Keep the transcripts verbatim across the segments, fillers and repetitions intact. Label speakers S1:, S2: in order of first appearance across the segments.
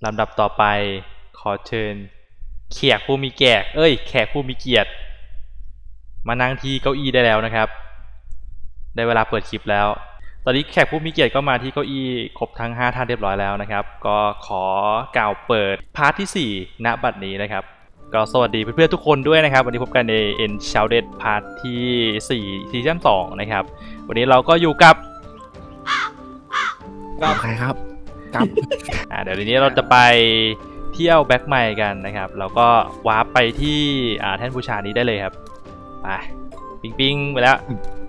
S1: ลำดับต่อไปขอเชิญแขกผู้มีแขกเอ้ยแขกผู้มีเกียรติมานั่งที่เก้าอี้ได้แล้วนะครับได้เวลาเปิดคลิปแล้วตอนนี้แขกผู้มีเกียรติก็มาที่เก้าอี้ครบทั้งห้าท่านเรียบร้อยแล้วนะครับก็ขอกล่าวเปิดพาร์ทที่สี่ณบัดนี้นะครับก็สวัสดีเพื่อนๆทุกคนด้วยนะครับวันนี้พบกันใน Enshrouded พาร์ทที่สี่ซีซั่นสองนะครับวันนี้เราก็อยู่กับ
S2: กับใครครับกับ
S1: อ่าเดี๋ยวทีนี้เราจะไปเที่ยวแบ็คไมล์กันนะครับเราก็วาร์ปไปที่อ่าแท่นบูชานี้ได้เลยครับไปปิงปิงไปแล้ว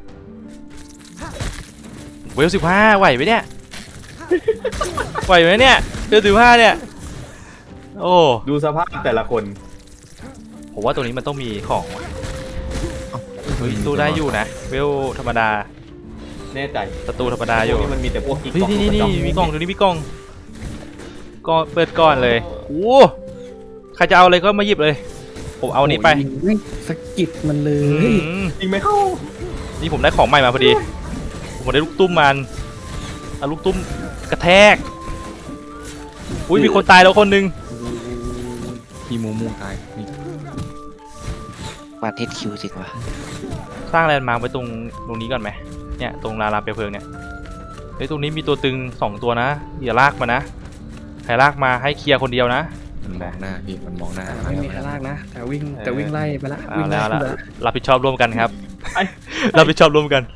S1: เวลสิบห้าไหวไหมเนี่ยไหวไหมเนี่ยเวลสิบห้าเนี่ยโอ้
S3: ดูสภาพแต่ละคน
S1: ผมว่าตัวนี้มันต้องมีของเฮ้ยตู้ได้อยู่นะเวลธรรมดา
S3: แน่ใจ
S1: ประตูธรรมดาอยู่
S3: นี่มันมีแต่พวกกิ๊ก
S1: นี่นี่นี่มีกล่องตัวนี้มีกล่องก็เปิดก่อนเลยโอ้ใครจะเอาอะไรก็มาหยิบเลยผมเอานี้ไป
S2: สกิดมันเลย
S3: ยิงไม่เข้า
S1: นี่ผมได้ของใหม่มาพอดีผมได้ลูกตุ้มมันเอาลูกตุ้มกระแทกอุ้ยมีคนตายแล้วคนนึง
S2: มีมูมูตายนี่
S4: มาเทสคิวจริงวะ
S1: สร้างแลนด์มาร์คไว้ตรงตรงนี้ก่อนไหมเนี่ยตรงลาลาเปลวเพลิงเนี่ยเฮ้ยตรงนี้มีตัวตึงสองตัวนะอย่าลากมานะใครลากมาให้เคลียร์คนเดียวนะ
S2: มันมองหน้าพี่มันมองหน้า
S5: ไม่มีใครลากนะแต่วิ่งแต่วิ่งไล่ไปละ
S1: วิ่งแล้วละรับผิดชอบร่วมกันครับรับผิดชอบร่วมกัน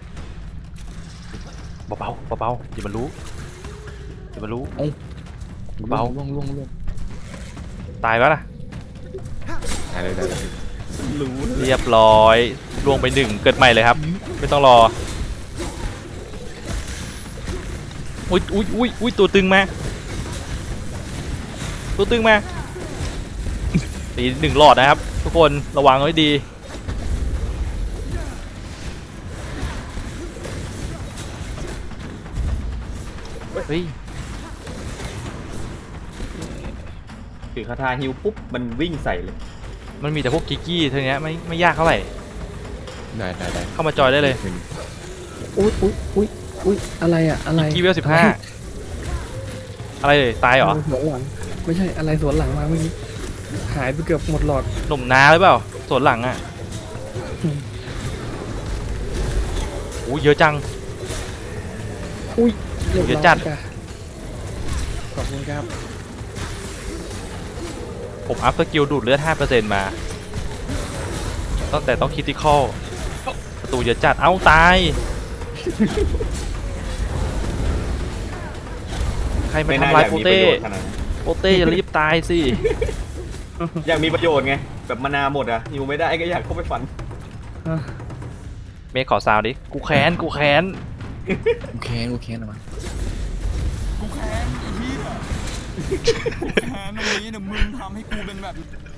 S1: เบาเบาเบาอย่ามันรู้อย่ามันรู้เบา
S2: ล่วงล่วงล่วง
S1: ตายปะล่ะ
S2: ได้เลยได้เลย
S1: เรียบร้อยล่วงไปหนึ่งเกิดใหม่เลยครับไม่ต้องรออุ้ยอุ้ยอุ้ยอุ้ยตัวตึงมาตัวตึงมาตีหนึ่งหลอดนะครับทุกคนระวังไว้ดีเฮ้ย
S3: ถือคาถาฮิวปุ๊บมันวิ่งใส่เลย
S1: มันมีแต่พวกกิกกี้เท่านี้ไม่ไม่ยากเท่าไหร่
S2: ได้ได้ได้
S1: เข้ามาจอยได้เลย
S5: อุ้ยอุ้ยอุ้ยอุ้ยอะไรอะอะไร
S1: กิกกี้เวลสิบห้าอะไรเลยตายเหรอ
S5: สวนหลังไม่ใช่อะไรสวนหลังมาเมื่อกี้หายไปเกือบหมดหลอด
S1: หนุ่มนาหรือเปล่าสวนหลังอ่ะอู้เยอะจัง
S5: อุ้ย
S1: เยอะจัด
S5: ขอบคุณครับ
S1: ผมอัพสกิลดูดเลือด ห้าเปอร์เซ็นต์ มาตั้งแต่ต้องคริติคอลประตูเยอะจัดเอ้าตายใครมาทำลายโปเต้โปเต้อย่ารีบตายสิ
S3: อยากมีประโยชน์ไงแบบมานาหมดอะอยู่ไม่ได้ก็อยากเข้าไปฟัน
S1: เมฆขอซาวดิกูแค้นกูแค้น
S2: กูแค้นกูแค้นออกมา
S6: กูแค้นไอ้เหี้ยแค้นตรงนี้เนี่ยมึงทำให้กูเป็นแบบ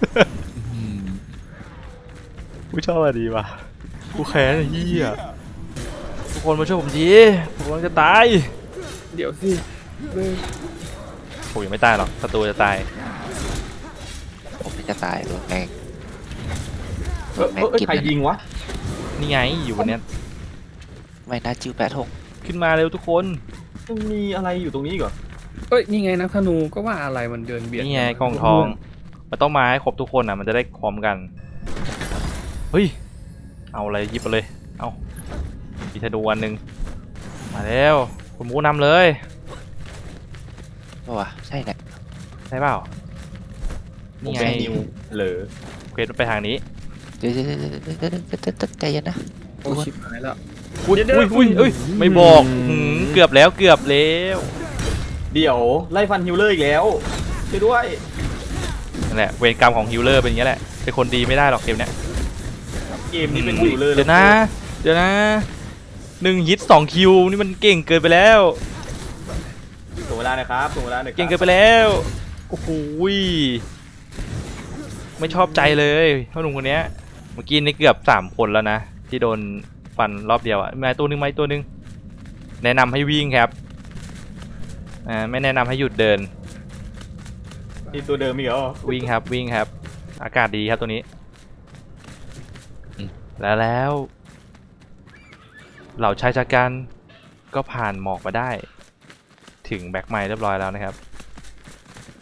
S1: กูชอบอะไรดีวะกูแค้นไอ้เหี้ยทุกคนมาช่วยผมทีผมกำลังจะตาย
S5: เดี๋ยวสิ
S1: ผมยังไม่ตายหรอกศัตรูจะตาย
S4: ผมไม่จะตายโดนแมง
S3: โดนแมงกินใครยิงวะ
S1: นี่ไงอยู่บนเนี้ย
S4: ไม่น่าจิ้วแปดหก
S1: ขึ้นมาเร็วทุกคน
S3: มันมีอะไรอยู่ตรงนี้ก่อน
S5: เอ้ยนี่ไงนักธนูก็ว่าอะไรมันเดินเบียด
S1: นี่ไงกองทองมันต้องมาให้ครบทุกคนอ่ะมันจะได้พร้อมกันเฮ้ยเอาอะไรหยิบไปเลยเอามีธนูวันหนึ่งมาแล้วคุณมูนำเลย
S4: วะใช่แหละ
S1: ใช่เปล่านี่ไง
S3: เหลอ
S1: เควสไปทางนี้
S4: เดี๋ยวใจเย็นนะ
S5: โอ้ชิบหายแล้ว
S1: อุ้ยอุ้ยอุ้ยอุ้ยไม่บอกเกือบแล้วเกือบแล้ว
S3: เดี๋ยวไล่ฟันฮิลเลอร์อีกแล้วช่วยด้วย
S1: นั่นแหละเวรกรรมของฮิลเลอร์เป็นอย่างนี้แหละเป็นคนดีไม่ได้หรอกเกมเนี้ย
S3: เกมนี้เป็นฮิลเลอร์
S1: เดี๋ยวนะเดี๋ยวนะหนึ่งฮิตสองคิวนี่มันเก่งเกินไปแล้ว
S3: ถึงเวลานะครับถึงเวลาหนึ่ง
S1: เก่งเกินไปแล้วโอ้โหไม่ชอบใจเลยพ่อหนุ่มคนนี้เมื่อกี้นี่เกือบสามคนแล้วนะที่โดนฟันรอบเดียวอ่ะมาตัวนึงมาตัวนึงแนะนำให้วิ่งครับอ่าไม่แนะนำให้หยุดเดิน
S3: นี่ตัวเดิมอีกเหรอ
S1: วิ่งครับวิ่งครับอากาศดีครับตัวนี้แล้วแล้วเหล่าชายชะกันก็ผ่านหมอกมาได้ถึงแบ็คไมล์เรียบร้อยแล้วนะครับ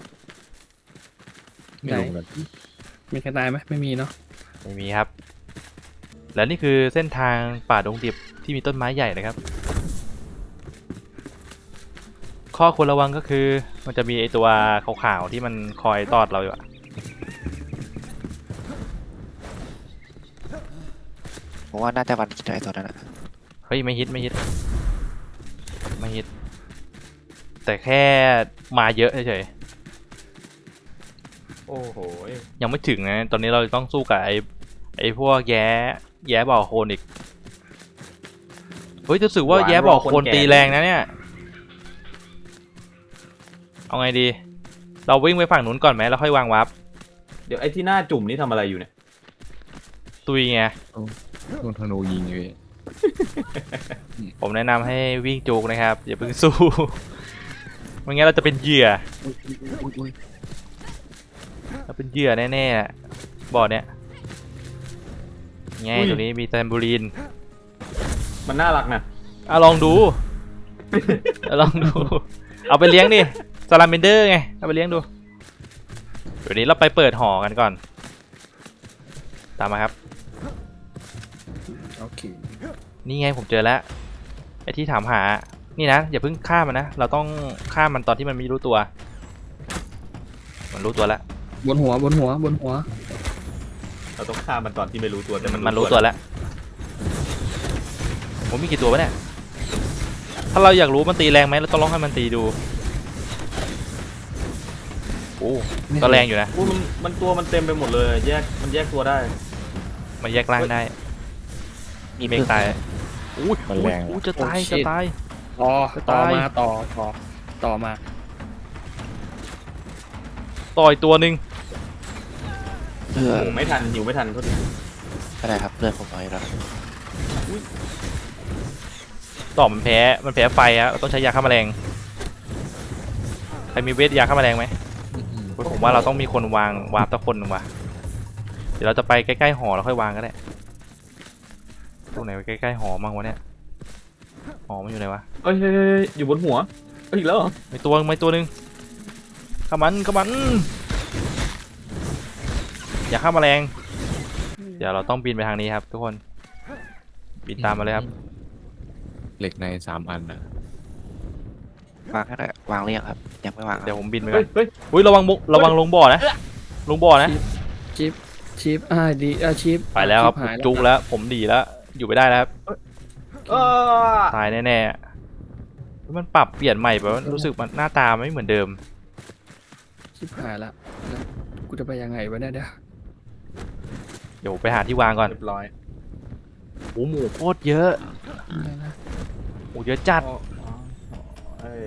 S2: ไม่รู้เหมือนกัน
S5: มีใครตายไหมไม่มีเนาะ
S1: ไม่มีครับ และนี่คือเส้นทางป่าดงดิบที่มีต้นไม้ใหญ่นะครับ ข้อควรระวังก็คือมันจะมีไอตัวขาวๆที่มันคอยตอดเราอยู่อะ
S4: ผมว่าน่าจะวันกินไอ้ตัวนั้นอะ
S1: เฮ้ยไม่ฮิตไม่ฮิตไม่ฮิต แต่แค่มาเยอะเฉย
S3: โอ้โห
S1: ๆยังไม่ถึงนะตอนนี้เราต้องสู้กับไอไอพวกแย้แย้บ่อโคลนอีกเฮ้ยรู้สึกว่าแย้บ่อโคลนตีแรงนะเนี่ยเอาไงดี เราวิ่งไปฝั่งนู้นก่อนไหมแล้วค่อยวางวาร์ป
S3: เดี๋ยวไอ้ที่หน้าจุ่มนี่ทำอะไรอยู่เนี่ย
S1: ตุยไง
S2: โดนธนูยิงอยู่พี่
S1: ผมแนะนำให้วิ่งจูกนะครับอย่าเพิ่งสู้ ไม่งั้นเราจะเป็นเหยื่อเราเป็นเหยื่อแน่ๆบ่อเนี้ยไงตัวนี้มีแตมบูรีน
S3: มันน่ารักนะ
S1: อ่ะลองดู อ่ะลองดู เอาไปเลี้ยงดิซาลาเมนเดอร์ไงเอาไปเลี้ยงดูเดี๋ยวนี้เราไปเปิดหอกันก่อน ตามมาครับ
S5: โอเค
S1: นี่ไงผมเจอแล้วไอ้ที่ถามหา นี่นะอย่าเพิ่งฆ่ามันนะ เราต้องฆ่ามันตอนที่มันไม่รู้ตัว มันรู้ตัวแล้ว
S5: บนหัวบนหัวบนหัว
S3: เราต้องฆ่ามันตอนที่ไม่รู้ตัวแต่มัน
S1: มันรู้ตัวแล้วผมมีกี่ตัววะเนี่ย ถ้าเราอยากรู้มันตีแรงไหมเราต้องลองให้มันตีดูโอ้ก็แรงอยู่นะ
S3: อุ้ยมันมันตัวมันเต็มไปหมดเลยแยกมันแยกตัวได้
S1: มันแยกร่างได้ มีเมฆตายอุ้ย
S2: มันแรง
S1: อุ้ยจะตายจะตาย
S5: ต่อ
S1: จะ
S5: ต่อ
S1: ตาย
S5: มาต่อต่อต่อมา
S1: ต่อยตัวหนึ่ง
S4: เพื่อ
S3: โอ้ไม่ทันหิวไม่ทันเขาดิ
S4: ก็ได้ครับเลือดผมน้อยแล้ว
S1: ต่อมันแพ้มันแพ้ไฟอะเราต้องใช้ยาฆ่าแมลงใครมีเวทยาฆ่าแมลงไหม ผมว่าเราต้องมีคนวางวาร์ปตะคนหนึ่งว่ะเดี๋ยวเราจะไปใกล้ๆหอแล้วค่อยวางก็ได้ตรงไหนไปใกล้ๆหอมั่งวะเนี่ยหอมันอยู่ไหนวะ
S3: เอ้ยเฮ้ยเฮ้ยอยู่บนหัวเอ้ยอีกแล้วเหรอ
S1: มีตัวมีตัวหนึ่งข้ามันข้ามันอย่าฆ่าแมลงเดี๋ยวเราต้องบินไปทางนี้ครับทุกคนบินตามมาเลยครับ
S2: เหล็กในสามอันนะ
S4: วางก็ได้วางหรือยังครับยังไม่วางครับ
S1: เดี๋ยวผมบินไป
S3: เฮ้
S1: ก่
S3: ย
S1: อน
S3: เฮ้ย
S1: อุ้ยระวังมุกระวังลงบ่อนะลงบ่อนะ
S5: ชิปชิปอ่าดีอ่าชิป
S1: ไปแล้วครับ
S5: ชิหาย
S1: จุกแล้วผมดีแล้วอยู่ไม่ได้แล้วครับ
S3: เออ
S1: ตายแน่ๆมันปรับเปลี่ยนใหม่แบบว่ารู้สึกมันหน้าตาไม่เหมือนเดิม
S5: ชิปหายละแล้วกูจะไปยังไงวะเนี่ยเดี๋ยว
S1: เดี๋ยวไปหาที่วางก่อน
S3: เรียบร้อย
S1: โอ้หมูโคตรเยอะ
S5: อะไรนะ
S1: หมูเยอะจัด
S3: อ๋ออ๋อเอ้ย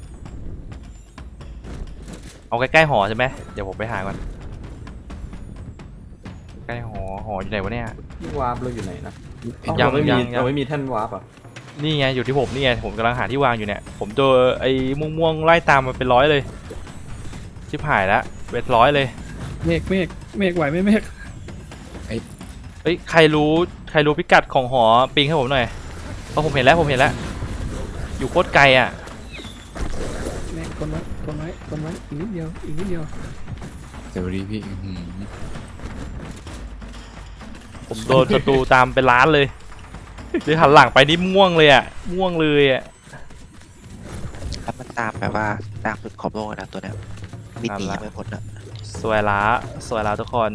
S1: เอาใกล้ๆหอใช่ไหมเดี๋ยวผมไปหาก่อนใกล้หอหออยู่ไหนวะเนี่ย
S3: ที่วาร์ปเราอยู่ไหนนะ
S1: ยัง
S3: เราไม่มี
S1: ยังยัง
S3: เราไม่มีแท่นวาร์ปอ่ะ
S1: นี่ไงอยู่ที่ผมนี่ไงผมกำลังหาที่วางอยู่เนี่ยผมเจอไอ้ม่วงๆไล่ตามมาเป็นร้อยเลยชิบหายแล้วเป็นร้อยเลย
S5: เมฆเมฆเมฆไหวไหมเมฆ
S1: เอ้ยใครรู้ใครรู้พิกัดของหอปิงให้ผมหน่อยเพราะผมเห็นแล้วผมเห็นแล้วอยู่โคตรไกลอ่ะ
S5: เมฆคนไว้คนไว้คนไว้อีกนิดเดียวอีกนิดเดียว
S2: เดี๋ยวดีพี่อื้อหือ
S1: ผมโดนศัตรูตามเป็นล้านเลยเดี๋ยวหันหลังไปนี่ม่วงเลยอ่ะม่วงเลยอ่ะ
S4: แล้วมันตามแบบว่าตามสุดขอบโลกนะตัวเนี้ยมิติยังไม่พ้นอะ
S1: สวยละสวยละทุกคน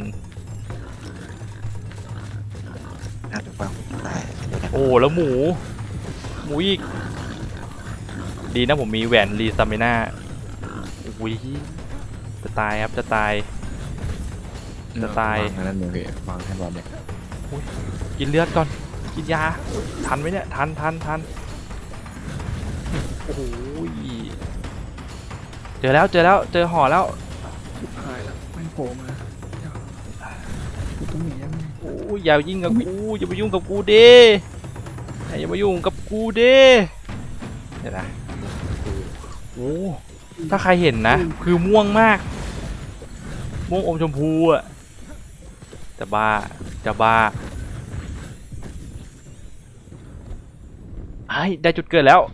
S4: น่าจะวางผมได้ตัวเนี้ย
S1: โอ้แล้วหมูหมูอีกดีนะผมมีแหวนรีซามิน่าอุ้ยจะตายครับจะตาย จะตาย
S2: วางอันนั่นเลยพี่วางแท่นวางเนี่ย
S1: กินเลือดก่อนกินยาทันไหมเนี่ยทันทันทันโอ้โหเจอแล้วเจอแล้วเจอห่อแล้ว
S5: ชิปหายละไม่โผล่มาเดี๋ยวกูต้องหนียังไง
S1: โอ้ยอย่ายิ่งกับกูอย่ามายุ่งกับกูเด้อย่ามายุ่งกับกูเด้เดี๋ยวนะโอ้ถ้าใครเห็นนะคือม่วงมากม่วงอมชมพูอะจะบ้าจะบ้าไอ้ได้จุดเกิดแล้ว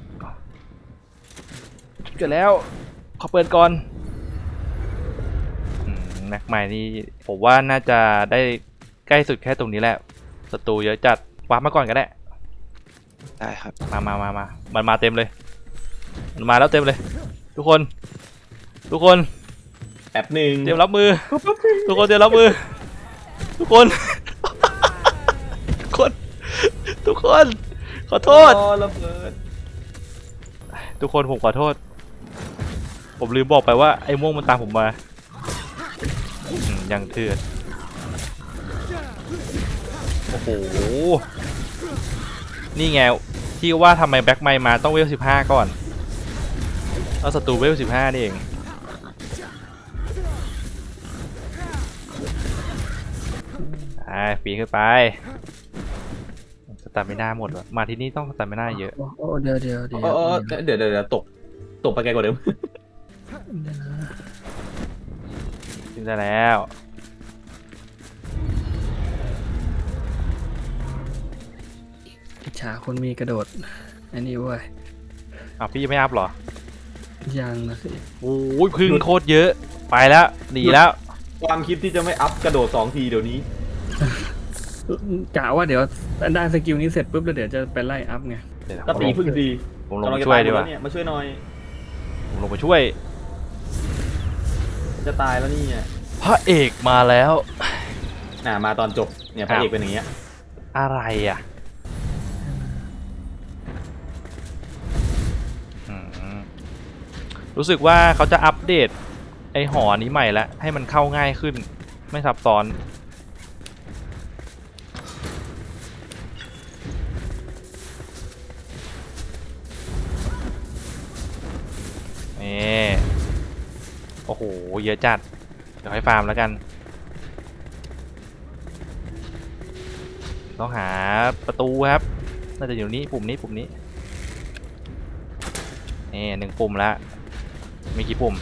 S1: จุดเกิดแล้วขอเปิดก่อนอืมไหนนักใหม่นี่ผมว่าน่าจะได้ใกล้สุดแค่ตรงนี้แหละศัตรูเยอะจัดวาร์ปมาก่อนก็ได้
S4: ได้ครับ
S1: มามามามามันมาเต็มเลยมันมาแล้วเต็มเลย ทุกคน ทุกคน
S3: แป๊บหนึ่ง
S1: เตรียมรับมือ ทุกคนเตรียมรับมือ ทุกคน ทุกคน ทุกคน ขอโทษ
S3: อ๋อระเบิด
S1: ทุกคนผมขอโทษ ผมลืมบอกไปว่าไอ้ม่วงมันตามผมมาอืมยังเถื่อนโอ้โห นี่ไงที่ว่าทำไมแบ็คไมค์มาต้องเวลสิบห้าก่อนแล้วศัตรูเวลสิบห้านี่เองไปปีนขึ้นไปสตามิน่าหมดวะมาที่นี่ต้องสตามิน่าเยอะ
S5: โอ้โอ้เดี๋ยวเดี๋ยวเดี๋ยว
S3: อ๋ออ๋อเดี๋ยวเดี๋ยวเดี๋ยวตกตกไปไกลกว่าเดิม
S5: เดี๋ยวนะ
S1: ขึ้นได้แล้ว
S5: อิจฉาคนมีกระโดดอันนี้เว้ย
S1: อ้าวพี่ยังไม่อัพเหรอ
S5: ยังนะสิ
S1: โอ้ยพึ่งโคตรเยอะไปแล้วหนีแล้ว
S3: ความคิดที่จะไม่อัพกระโดดสองทีเดี๋ยวนี้
S5: กะว่าเดี๋ยวได้สกิลนี้เสร็จปุ๊บแล้วเดี๋ยวจะไปไล่อัพไง
S1: เดี๋ยว
S3: ก็ตีพึ่งดี
S1: ผมลงไปช่วยดีกว่า
S3: เนี่ยมาช่วยหน่อย
S1: ผมลงไปช่วย
S3: จะตายแล้วนี่เนี่ย
S1: พระเอกมาแล้ว
S3: น่ะมาตอนจบเนี่ยพระเอกเป็นอย่างเงี้ย
S1: อะไรอ่ะอืมรู้สึกว่าเขาจะอัปเดตไอหอนี้ใหม่แล้วให้มันเข้าง่ายขึ้นไม่ซับซ้อนนี่โอ้โหเยอะจัดเดี๋ยวให้ฟาร์มแล้วกันต้องหาประตูครับน่าจะอยู่นี้ปุ่มนี้ปุ่มนี้นี่หนึ่งปุ่มแล้วมีกี่ปุ่ม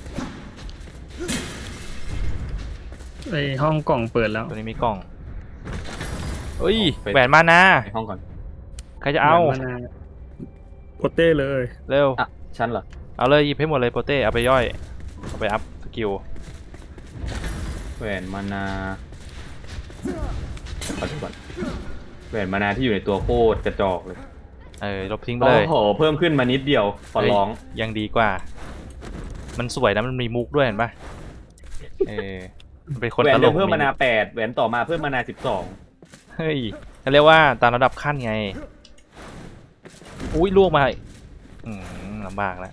S5: ไอห้องกล่องเปิดแล้ว
S1: ตัวนี้มีกล่องเอ้ยแหวนมานา
S3: ในห้องก่อน
S1: ใครจะเอา
S5: มนโปเต้เลย
S1: เร็ว
S3: อ่ะฉันเหรอ
S1: เอาเลยหยิบให้หมดเลยโปเต้เอาไปย่อยเอาไปอัพสกิล
S3: แหวนมานาขอดูก่อนแหวนมานาที่อยู่ในตัวโคตรกระจอกเลย
S1: เออลบทิ้งไป
S3: โอ้
S1: เลย
S3: โหเพิ่มขึ้นมานิดเดียวขอร้อง
S1: เยยังดีกว่า มันสวยนะมันมีมุกด้วยเห็นปะเออมันเป็นคน
S3: แหว
S1: ต
S3: น
S1: ล
S3: เดิ
S1: ก
S3: มเพิ่มมานาแปดแหวนต่อมาเพิ่มมานาสิบสอง
S1: เฮ้ยเขาเรียกว่าตามระดับขั้นไงอุ้ยล่วงมาอืมลำบากแล้ว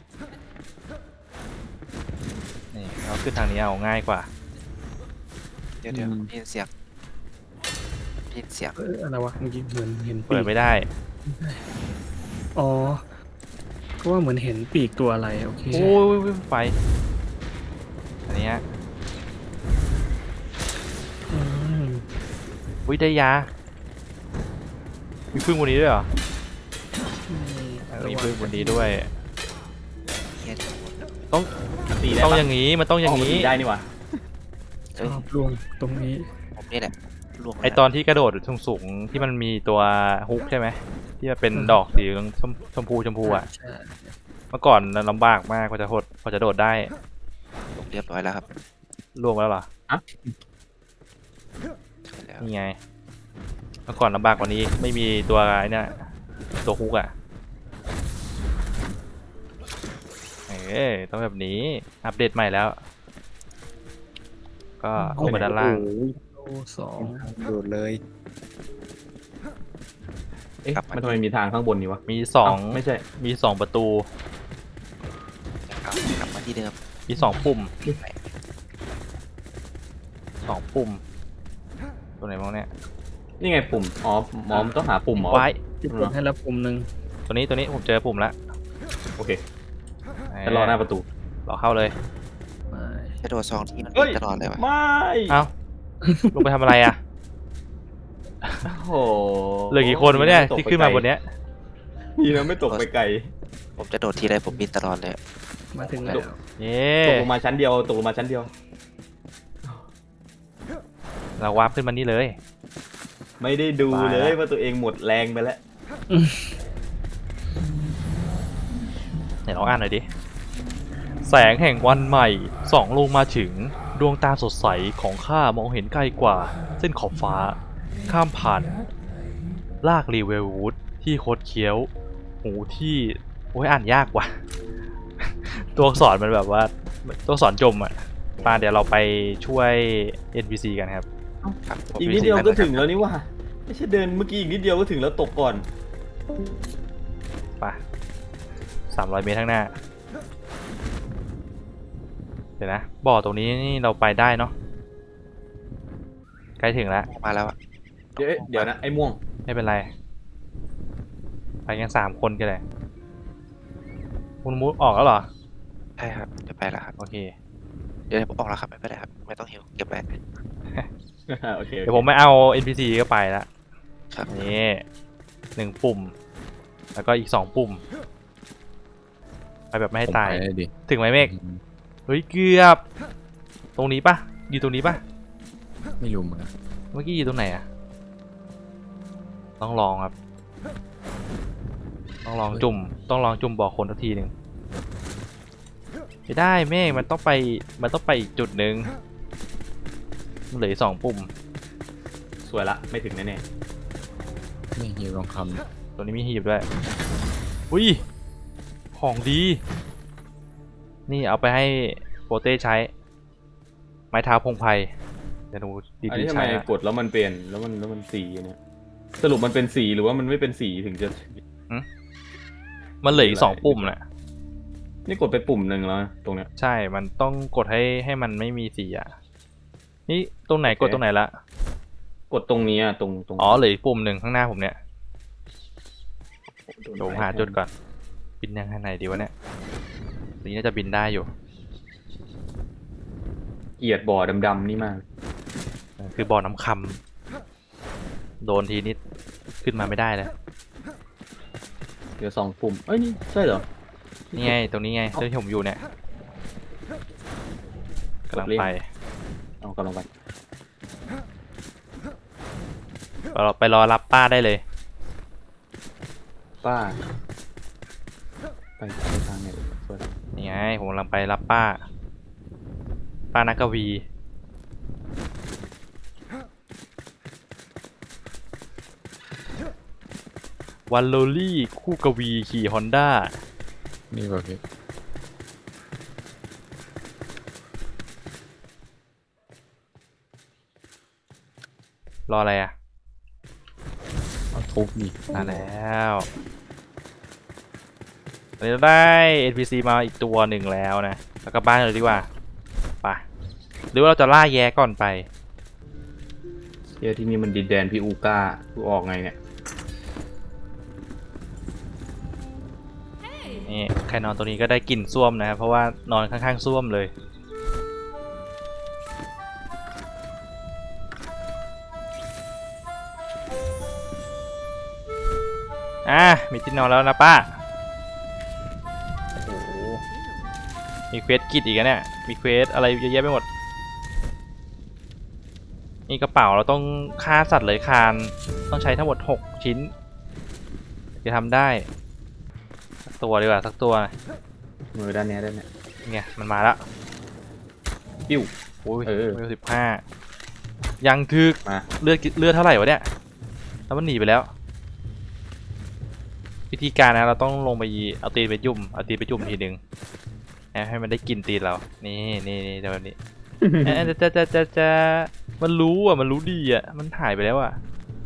S1: นี่เราขึ้นทางนี้เอาง่ายกว่า
S4: เดี๋ยวเดี๋ยวพี่เสียงพี่เสียง
S5: เอออะไรวะเมื่อกี้เหมือนเห็นปี
S1: เปิด
S5: ก
S1: ไม่ได้
S5: อ๋อก็ว่าเหมือนเห็นปีกตัวอะไรโอเค
S1: โอ้ยไฟอันเนี้ย
S5: อืม
S1: อุ้ยได้ยา มีพึ่งบนนี้ด้วยเหรอเออมีพึ่งบนนี้ด้วย
S4: เฮีย
S1: ต้อง
S3: ตีได้
S1: ต้อง
S3: ปะ
S1: อย่างนี้มันต้องอย่าง
S3: นี้
S1: นี้
S3: ได้นี่หว่า
S5: ชอบลวงตรงนี้
S4: ผมนี่แหละลวง
S1: ไอตอนที่กระโดดสูงๆที่มันมีตัวฮุกใช่ไหมที่มันเป็นดอกสีชมชมพูชมพูอ่ะ
S5: ใช่
S1: เมื่อก่อนลำบากมากกว่าจะหดกว่าจะโดดได้
S4: ลงเรียบร้อยแล้วครับ
S1: ล่วงไปแล้วเหรอ
S4: ใช่แล้ว
S1: นี่ไง เมื่อก่อนลำบากกว่านี้ไม่มีตัวไอ้เนี่ยตัวฮุกอ่ะเอ้ยต้องแบบนี้อัปเดตใหม่แล้ว ก็ลงมาด้านล่าง
S5: โลสอง
S2: โดดเลย
S3: เอ๊ะมันทำไมมีทางข้างบนนี่วะ
S1: มีสอง
S3: เอ้าไม่ใช่
S1: มีสองประตู
S4: กลับกลับมาที่เดิม
S1: มีสองปุ่มสองปุ่มตัวไหนบ้างเนี่ย
S3: นี่ไงปุ่มอ๋อหมอมต้องหาปุ่มเหรอ
S1: ไว้
S5: ที่กดให้แล้วปุ่มหนึ่ง
S1: ตัวนี้ตัวนี้ผมเจอปุ่มแล้ว
S3: โอเคจะรอหน้าประตู
S1: รอเข้าเลย
S5: ไม่
S4: กระโดดสองทีมัน
S3: เฮ้ย
S4: ตลอดเลยวะ
S3: ไม่
S1: เอ้า ลงไปทำอะไรอ่ะ
S3: โอ้โห
S1: เหลือกี่คนวะเนี่ยที่ขึ้นมาบนเนี้ย
S3: นี่นะไม่ตกไปไกล
S4: ผมจะโดดทีไรผมบินตลอดเลย
S5: มาถึงแล้ว
S1: เย้
S3: ตกลงมาชั้นเดียวตกลงมาชั้นเดียว
S1: เราวาร์ปขึ้นมานี่เลย
S3: ไม่ได้ดู
S1: ตาย
S3: เล
S1: แล้
S3: ยว ว่าตัวเองหมดแรงไปแล้ว
S1: ไหนลองอ่านหน่อยดิแสงแห่งวันใหม่ส่องลงมาถึงดวงตาสดใสของข้ามองเห็นไกลกว่าเส้นขอบฟ้าข้ามผ่านลากรีเวลวูดที่โคดเคี้ยวหูที่โอ้ยอ่านยากว่ะ ตัวอักษรมันแบบว่าตัวอักษรจมอ่ะมาเดี๋ยวเราไปช่วย เอ็น พี ซี กันครับ
S4: ครับผม
S3: อีกนิดเดียวก็ถึงแล้วนี่ว่าไม่ใช่เดินเมื่อกี้อีกนิดเดียวก็ถึงแล้วตกก่อน
S1: ไปสามร้อยเมตรข้างหน้า เดี๋ยวนะ บ่อตรงนี้นี่เราไปได้เนาะ ใกล้ถึงแล้ว
S4: มาแล้วอะ
S3: เดี๋ยวเดี๋ยวนะไอ้ม่วง
S1: ไม่เป็นไร ไปกันสามคนก็ได้คุณมูดออกแล้วเหรอ
S4: ใช่ครับจะไปแล้วครับ
S1: โอเค
S4: เดี๋ยวผมออกแล้วครับไม่เป็นไรครับไม่ต้องหิวเก็บไว้
S3: โอเค
S1: เดี๋ยวผมไม่เอา เอ็น พี ซี ก็ไปละ
S4: ครับ
S1: นี่หนึ่งปุ่ม แล้วก็อีกสองปุ่ม ไปแบบไม่ให้ตาย
S2: ผมไปได้ดิ
S1: ถึงไหมเมฆ
S2: อืม
S1: เฮ้ย เกือบ ตรงนี้ปะอยู่ตรงนี้ปะ
S2: ไม่รู้เหมือนกัน
S1: เมื่อกี้อยู่ตรงไหนอะต้องลองครับ ต้องลองจุ่ม ต้องลองจุ่มบอกคนสักทีหนึ่งไม่ได้เมฆมันต้องไป มันต้องไปอีกจุดหนึ่งมันเหลืออกสองปุ่ม
S3: สวยละไม่ถึงแน่
S2: ไม่ฮิวลองค
S1: ตัวนี้มีหีบด้วย อุ้ย ของดี นี่เอาไปให้โปเต้ใช้ ไม้เท้าพงไพรเดี๋ยวดู
S3: ๆ
S1: ดี
S3: อัน
S1: ดี
S3: นี้ทำ
S1: ใช้
S3: ไม
S1: นะ
S3: กดแล้วมันเปลี่ยนแล้วมันแล้วมันสีเนี่ยสรุปมันเป็นสีหรือว่ามันไม่เป็นสีถึงจะ
S1: มันเหลืออีกสองปุ่มน่ะ
S3: นี่กดไปปุ่มหนึ่งแล้วนะตรงเนี้ย
S1: ใช่ มันต้องกดให้ให้มันไม่มีสีอ่ะ นี่ตรงไหน
S3: โอเค
S1: กดตรงไหนละ
S3: กดตรงนี้อะตรงตรง
S1: อ๋อเหลืออีกปุ่มหนึ่งข้างหน้าผมเนี่ยเดี๋ยวผมหาจุดก่อน บินยังไงดีวะเนี่ยตัวนี้น่าจะบินได้อยู่
S3: เกลียดบ่อดำๆนี่มาก
S1: เออคือบ่อน้ำคำโดนทีนิดขึ้นมาไม่ได้เลย
S3: เดี๋ยวสองปุ่มเอ้ยนี่ใช่เหรอ
S1: นี่ไงตรงนี้ไงที่ผมอยู่เนี่ยกำลังไป
S3: เอากำลังไป
S1: เราไปรอรับป้าได้เลย
S3: ป้าไปไปทางไหนสวย
S1: นี่ไงผมกำลังไปรับป้า ป้านักกวีวันโลลี่คู่กวีขี่ฮอนด้า
S2: ำนี่ป่ะพี่
S1: รออะไรอ่ะ
S2: เอาทุบนี่
S1: มาแล้วตอนนี้เราได้ เอ็น พี ซี มาอีกตัวหนึ่งแล้วนะ แล้วก็บ้านเลยดีกว่าไปหรือว่าเราจะล่าแย้ก่อนไป
S3: เฮียที่นี่มันดินแดนพี่อูก้ากูออกไงเนี่ย
S1: นี่ใครนอนตัวนี้ก็ได้กลิ่นส้วมนะครับ เพราะว่านอนข้างๆส้วมเลย อ่ะมีที่นอนแล้วนะป้า โอ้โห มีเควสกิจอีกนะเนี่ย มีเควสอะไรเยอะแยะไปหมด นี่กระเป๋าเราต้องฆ่าสัตว์เลื้อยคลานต้องใช้ทั้งหมดหกชิ้นจะทำได้ สักตัวดีกว่าสักตัว
S3: มือด้านเนี้ยด้านเนี้ย
S1: เนี่ยมันมาแล้ว
S3: ปิ้ว
S1: โอ้ย
S3: เออ
S1: เวลสิบห้ายังคือ
S3: มา
S1: เลือดเลือดเท่าไหร่วะเนี่ยแล้วมันหนีไปแล้ว วิธีการนะเราต้องลงไปเอาตีนไปยุ่มเอาตีนไปจุ่มทีหนึ่งนะให้มันได้กินตีนเรา นี่นี่นี่แบบนี้ เอ๊ะจะจะจะจะมันรู้อ่ะมันรู้ดีอ่ะมันหายไปแล้วอ่ะ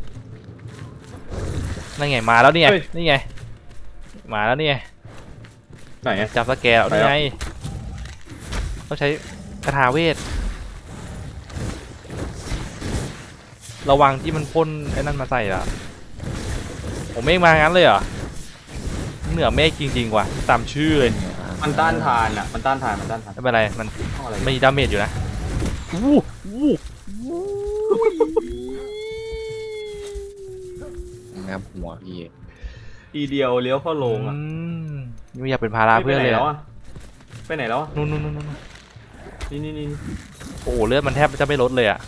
S1: นั่นไงมาแล้วเนี่ยนี่ไงมาแล้วเนี่ย
S3: ไหนอะ
S1: จับสแกล
S3: ไป
S1: นี่
S3: แล้ว
S1: ไงต้องใช้คาถาเวทระวังที่มันพ่นไอ้นั่นมาใส่ละผมเมฆมางั้นเลยเหรอเหนือเมฆจริงๆว่ะตามชื่อเลย
S3: มันต้านทานอะมันต้านทานมันต้านทาน
S1: ไม่เป็นไรมัน
S3: ต้องอะไร
S1: ไม่มีดาเมจอยู่นะวู้วู้
S2: งับหัวพี่
S3: ทีเดียวเลี้ยวเข้าโรงอะ
S1: อืมไม่อยากเป็นภาระเพื่อนเลย
S3: ไปไหนแล้ว
S1: อะ
S3: อะไปไหนแล้วอะ
S1: นู่นนู่นนู่นนู่น
S3: นี่นี่นี่
S1: โอ้โหเลือดมันแทบจะไม่ลดเลยอ่ะ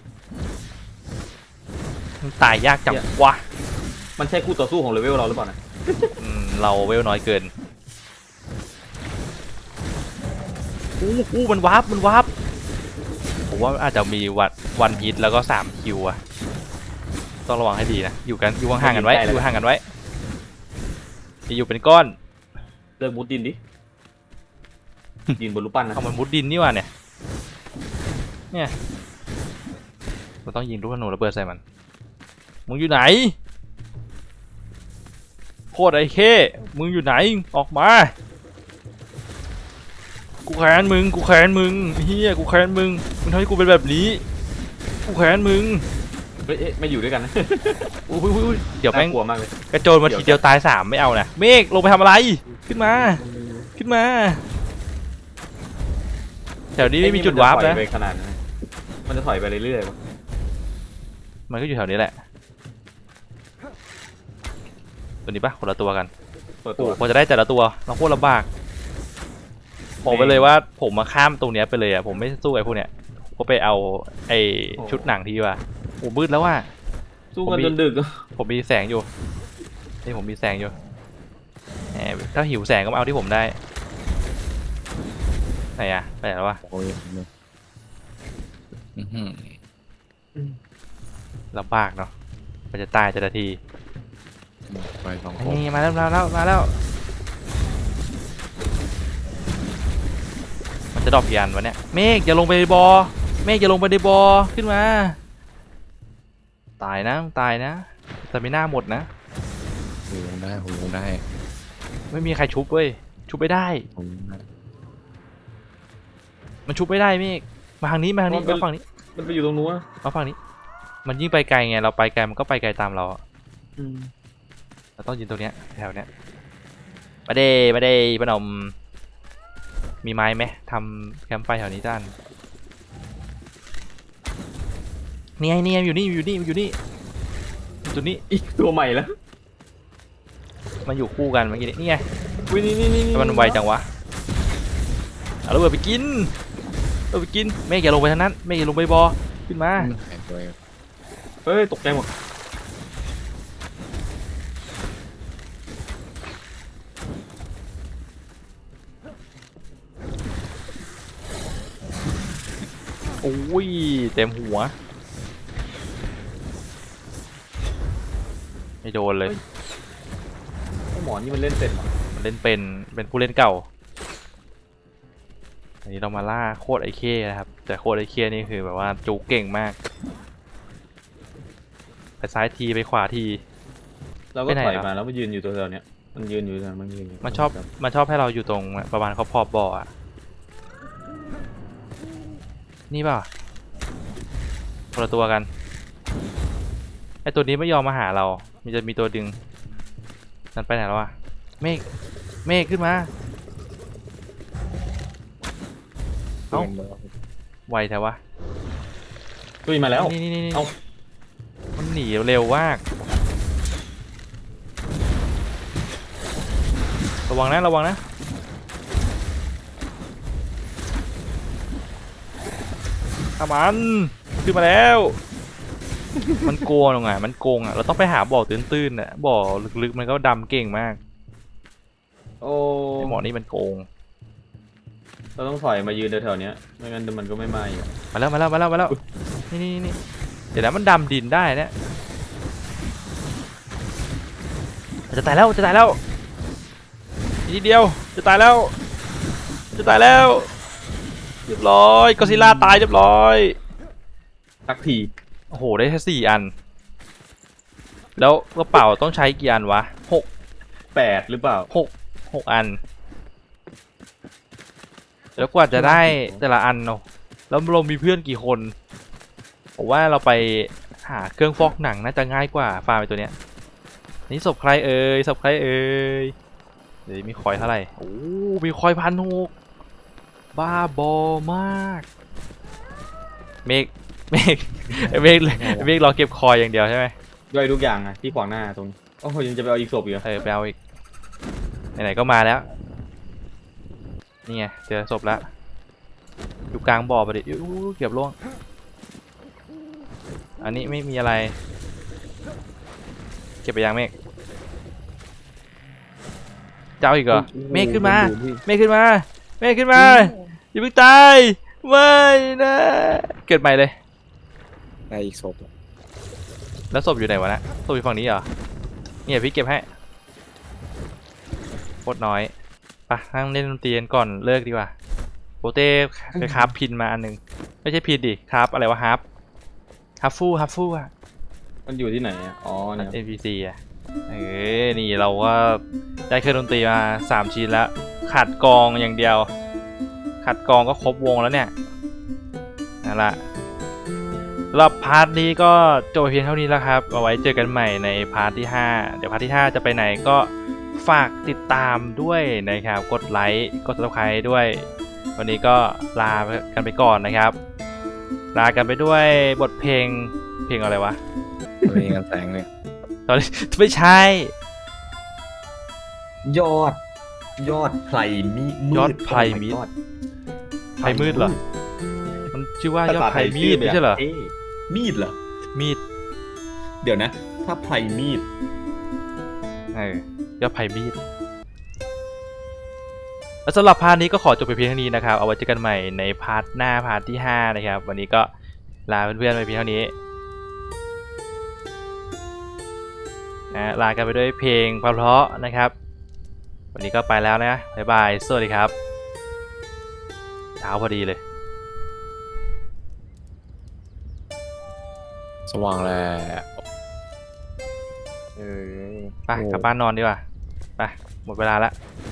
S1: มันตายยากจังวะ
S3: มันใช่คู่ต่อสู้ของเลเวลเราหรือเปล่านะ
S1: อืมเราเวลน้อยเกินอู้อู้มันวาร์ปมันวาร์ปผมว่าอาจจะมีวันวันฮิตแล้วก็สามคิวอะต้องระวังให้ดีนะอยู่กันอยู่ห่างๆกันไว้อยู่ห่างกันไว้จะอยู่เป็นก้อน
S3: เลิกมุดดินดิ ดินบนรูปปั้นนะ
S1: เอามันมุดดินนี่ว่ะเนี่ยเนี่ยเราต้องยิงลูกธนูระเบิดใส่มันมึงอยู่ไหนโคตรไอ้เข้มึงอยู่ไหนออกมากูแค้นมึงกูแค้นมึงเฮียกูแค้นมึงมึงทำให้กูเป็นแบบนี้กูแค้นมึง
S3: เฮ้ยเอ๊ะไม่อยู่ด้วยกันนะ
S1: อุ้ยอุ้ยอุ้ยเดี๋ยวแม่ง
S3: น่ากลัวมากเลย
S1: กระโจนมาทีเดียวตายสามไม่เอานะเมฆลงไปทำอะไรขึ้นมาขึ้นมาแถวนี้ไม่มีจุดวาร์ป
S3: ไอ้
S1: นะ
S3: นี่มันจถอยไปขนาดนั้นมันจะถอยไปเรื่อยๆปะ
S1: มันก็อยู่แถวนี้แหละตัวนี้ปะคนละตัวกัน
S3: เปิด
S1: โอ้
S3: ตัว
S1: โหพอจะได้แต่ละตัวเราโคตรลำบากบอกไปเลยว่าผมมาข้ามตรงเนี้ยไปเลยอ่ะผมไม่สู้ไอ้พวกเนี้ยก็ไปเอาไอ้ชุดหนังที่ว่าโอ้มืดแล้วว่า
S3: สู้กันจนดึก
S1: ผมมีแสงอยู่นี่ผมมีแสงอยู่แหมถ้าหิวแสงก็มาเอาที่ผมได้ไหนอะไปไหนแล้ววะ
S2: โอ้ยเนี่ยอื้อหือ
S1: ลำบากเนาะมันจะตายแต่ละที
S2: ไปสองคน
S1: นี่มาแล้วมาแล้วมาแล้วมันจะดรอปยันวะเนี่ยเมฆอย่าลงไปในบอ่อเมฆอย่าลงไปในบอ่อขึ้นมาตายนะตายนะแต่ไม่น่าหมดนะ
S2: หูยังได้หูยังได้
S1: ไม่มีใครชุบเว้ยชุบไม่ได้
S2: หูยังได้
S1: มันชุบไม่ได้เมฆมาทางนี้มาทางนี้มาฝั่งนี้
S3: มันไปอยู่ตรงนู้นอะ
S1: มาฝั่งนี้ มันยิ่งไปไกลไงเราไปไกลมันก็ไปไกลตามเราอะ
S3: อืม
S1: เราต้องยืนตรงเนี้ยแถวเนี้ยมาเดมาเดพนมมีไม้ไหมทำแคมป์ไฟแถวนี้ด้านนี่ไงนี่ไงอยู่นี่อยู่นี่อยู่นี่อยู่ตัวนี้
S3: อีกตัวใหม่แล้ว
S1: มันอยู่คู่กันเมื่อกี้นี้นี่ไง
S3: วินี่นี่นี่
S1: ทำไมมันไวจังวะเอาระเบิดไปกินเอาไปกินเมฆอย่าลงไปทางนั้นเมฆอย่าลงไปบอขึ้นมา
S2: มันหายไป
S3: เฮ้ยตกใจหมด
S1: โอ้ยเต็มหัวไม่โดนเลย
S3: ไอ้หมอนี่มันเล่นเป็นเหรอ
S1: มันเล่นเป็นเป็นผู้เล่นเก่าอันนี้เรามาล่าโคตรไอเคนะครับแต่โคตรไอเคนี่คือแบบว่าจูเก่งมากไปซ้ายทีไปขวาที
S3: เราก็ถอยมาแล้วมันยืนอยู่ตัวเดียวเนี้ยมันยืนอยู่ตรงนั้นมันยืนอยู่
S1: มันชอบมันชอบให้เราอยู่ตรงประมาณขอบขอบบ่ออะนี่เปล่าคนละตัวกันไอตัวนี้ไม่ยอมมาหาเรามันจะมีตัวดึงนั่นไปไหนแล้ววะเมฆเมฆขึ้นมา เอ้า ไวแท้วะ
S3: ตุ้ยมาแล้ว
S1: นี่นี่นี่นี่
S3: เอ้า
S1: มันหนีเร็วมากระวังนะระวังนะอามันขึ้นมาแล้ว มันโกงอ่ะมันโกงอ่ะเราต้องไปหาบ่อตื้นๆอ่ะบ่อลึกๆมันก็ดำเก่งมาก
S3: โอ้
S1: ไอหมอนี่มันโกง
S3: เราต้องถอยมายืนแถวๆเนี้ยไม่งั้นมันก็ไม่มาอยู่
S1: มาแล้วมาแล้วมาแล้วมาแล้วนี่นี่นี่เดี๋ยวนะมันดำดินได้เนี่ยจะตายแล้วจะตายแล้วอีกนิดเดียวจะตายแล้วจะตายแล้วเรียบร้อยก็อดซิลล่าตายเรียบร้อย
S3: สักที
S1: โอ้โหได้แค่สี่อัน แล้วกระเป๋าต้องใช้กี่อันวะหก
S3: แปดหรือเปล่า
S1: หกหกอัน แล้วกว่าจะได้แต่ละอันเนาะแล้วเรามีเพื่อนกี่คนผมว่าเราไปหาเครื่องฟอกหนังน่าจะง่ายกว่าฟาร์มไปตัวเนี้ยนี่ศพใครเอ่ยศพใครเอ่ยเดี๋ยวมีคอยเท่าไหร่โอ้มีคอยพันหกบ้าบอมากเมฆเมฆเมฆเมฆรอเก็บคอยอย่างเดียวใช่ไหม
S3: ย่อยทุกอย่างอะที่ขวางหน้าตรงนี้โอ้โหยังจะไปเอาอีกศพอีกเหรอ
S1: เออไปเอาอีกไหนๆก็มาแล้วนี่ไงเจอศพแล้วอยู่กลางบ่อไปดิอู้เกือบล่วงอันนี้ไม่มีอะไรเก็บไปยังเมฆเจ้าอีกเหรอเมฆขึ้นมาเมฆขึ้นมาเมฆขึ้นมาอย่าเพิ่งตายไม่นะเกิดใหม่เลย
S2: ได้อีกศพ
S1: แล้วศพอยู่ไหนวะนะศพอยู่ฝั่งนี้เหรอเนี่ยพี่เก็บให้โคตรน้อยไปนั่งเล่นดนตรีกันก่อนเลิกดีกว่าโปเต้ไปคราฟพินมาอันหนึงไม่ใช่พินดิคราฟอะไรวะฮาร์ฟฮาร์ฟฟูฮาร์ฟฟูอะ
S3: มันอยู่ที่ไหนอะอ๋อเนี่ย
S1: เอ็น พี ซี อะเออนี่เราก็ได้เครื่องดนตรีมาสามชิ้นแล้วขาดกลองอย่างเดียวขาดกลองก็ครบวงแล้วเนี่ยนั่นแหละสำหรับพาร์ทนี้ก็จบไปเพียงเท่านี้แล้วครับเอาไว้เจอกันใหม่ในพาร์ทที่ห้าเดี๋ยวพาร์ทที่ห้าจะไปไหนก็ฝากติดตามด้วยนะครับกดไลค์กด ซับสไครบ์ ด้วยวันนี้ก็ลากันไปก่อนนะครับลากันไปด้วยบทเพลงเพลงอะไรวะ
S2: มีกันแสงเลย
S1: ตอนนี้ไม่ใช่
S3: ยอด ยอดไพรมีมืด
S1: ยอดไพรมีด
S3: โอ้ my god
S1: ไพรมืดเหรอ มันชื่อว่ายอดไพรมีดไม่ใช่เหรอ
S3: ท่มีดเหรอ
S1: มีด
S3: เดี๋ยวนะ ถ้าไพรมีด
S1: เออยอดไพรมีดแล้วสำหรับพาร์ทนี้ก็ขอจบไปเพียงเท่านี้นะครับเอาไว้เจอกันใหม่ในพาร์ทหน้าพาร์ทที่ห้านะครับวันนี้ก็ลาเพื่อนๆไปเพียงเท่านี้นะลากันไปด้วยเพลงเพราะๆนะครับวันนี้ก็ไปแล้วนะบ๊ายบายสวัสดีครับเช้าพอดีเลย
S2: สว่างแล้ว
S1: เออไปกลับบ้านนอนดีกว่าไปหมดเวลาแล้ว